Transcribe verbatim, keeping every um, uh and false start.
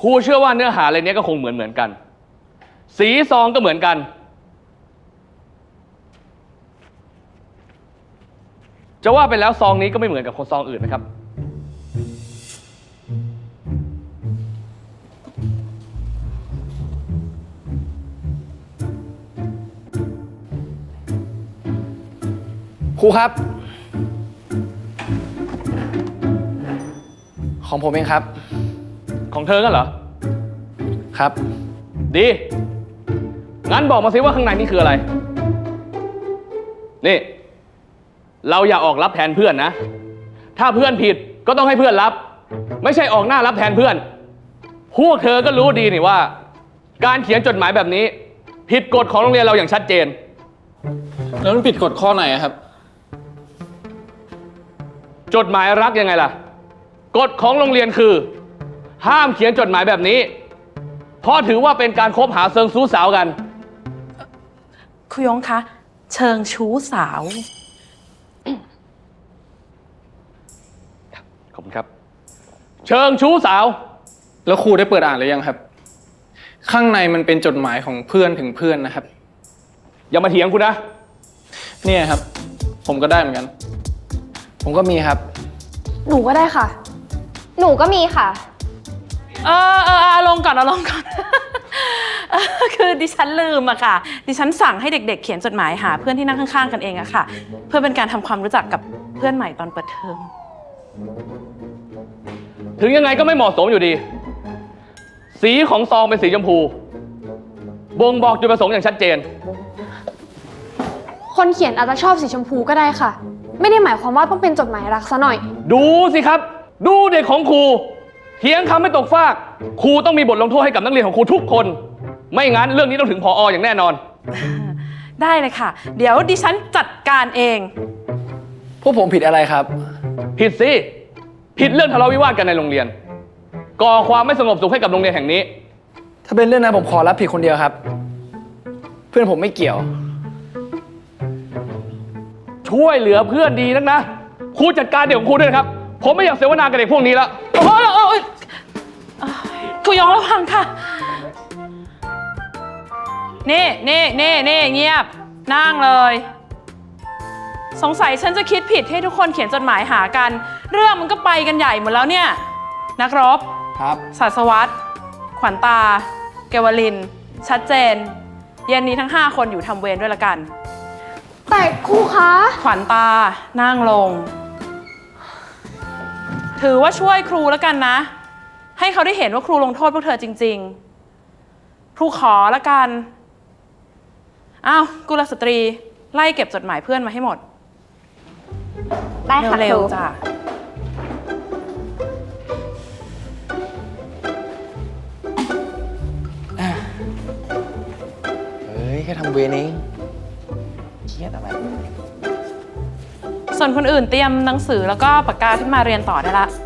ครูเชื่อว่าเนื้อหาอะไรเนี้ยก็คงเหมือนเหมือนกันสีซองก็เหมือนกันจะว่าไปแล้วซองนี้ก็ไม่เหมือนกับคนซองอื่นนะครับครูครับของผมเองครับของเธอกันเหรอครับดีงั้นบอกมาสิว่าข้างในนี่คืออะไรนี่เราอย่าออกรับแทนเพื่อนนะถ้าเพื่อนผิดก็ต้องให้เพื่อนรับไม่ใช่ออกหน้ารับแทนเพื่อนพวกเธอก็รู้ดีนี่ว่าการเขียนจดหมายแบบนี้ผิดกฎของโรงเรียนเราอย่างชัดเจนแล้วมันผิดกฎข้อไหนครับจดหมายรักยังไงล่ะกฎของโรงเรียนคือห้ามเขียนจดหมายแบบนี้เพราะถือว่าเป็นการคบหาเชิงชู้สาวกันครูยงคะเชิงชู้สาวขอบคุณครับเชิงชู้สาวแล้วครูได้เปิดอ่านหรือยังครับข้างในมันเป็นจดหมายของเพื่อนถึงเพื่อนนะครับอย่ามาเถียงคุณนะเนี่ยครับผมก็ได้เหมือนกันผมก็มีครับหนูก็ได้ค่ะหนูก็มีค่ะเออเออเอาลงก่อนเอาลงก่อน คือดิฉันลืมอะค่ะดิฉันสั่งให้เด็กๆเขียนจดหมายหาเพื่อนที่นั่งข้างๆกันเองอะค่ะเพื่อเป็นการทำความรู้จักกับเพื่อนใหม่ตอนเปิดเทอมถึงยังไงก็ไม่เหมาะสมอยู่ดีสีของซองเป็นสีชมพูบ่งบอกจุดประสงค์อย่างชัดเจนคนเขียนอาจจะชอบสีชมพูก็ได้ค่ะไม่ได้หมายความว่าต้องเป็นจดหมายรักซะหน่อยดูสิครับดูเด็กของครูเถียงคำไม่ตกฟากครูต้องมีบทลงโทษให้กับนักเรียนของครูทุกคนไม่งั้นเรื่องนี้ต้องถึงผอ.อย่างแน่นอนได้เลยค่ะเดี๋ยวดิฉันจัดการเองพวกผมผิดอะไรครับผิดสิผิดเรื่องทะเลาะวิวาทกันในโรงเรียนก่อความไม่สงบสุขให้กับโรงเรียนแห่งนี้ถ้าเป็นเรื่องนั้นผมขอรับผิดคนเดียวครับเพื่อนผมไม่เกี่ยวช่วยเหลือเพื่อนดีนักนะครูจัดการเด็กของครูด้วยนะครับผมไม่อยากเสวนากับเด็กพวกนี้แล้วโอ้ยโอ้ยครูยงระวังค่ะนี่นี่นี่นี่เงียบนั่งเลยสงสัยฉันจะคิดผิดให้ทุกคนเขียนจดหมายหากันเรื่องมันก็ไปกันใหญ่หมดแล้วเนี่ยนักรบครับศาสวัตรขวัญตาเกวลินชัดเจนเย็นนี้ทั้งห้าคนอยู่ทำเวรด้วยละกันแต่ครูคะขวัญตานั่งลงถือว่าช่วยครูแล้วกันนะให้เขาได้เห็นว่าครูลงโทษพวกเธอจริงๆครูขอแล้วกันอ้าวกุลสตรีไล่เก็บจดหมายเพื่อนมาให้หมดได้ค่ะเร็วๆจ้ะเฮ้ยแค่ทำเวรเองเครียดอะไรส่วนคนอื่นเตรียมหนังสือแล้วก็ปากกาขึ้นมาเรียนต่อได้ละ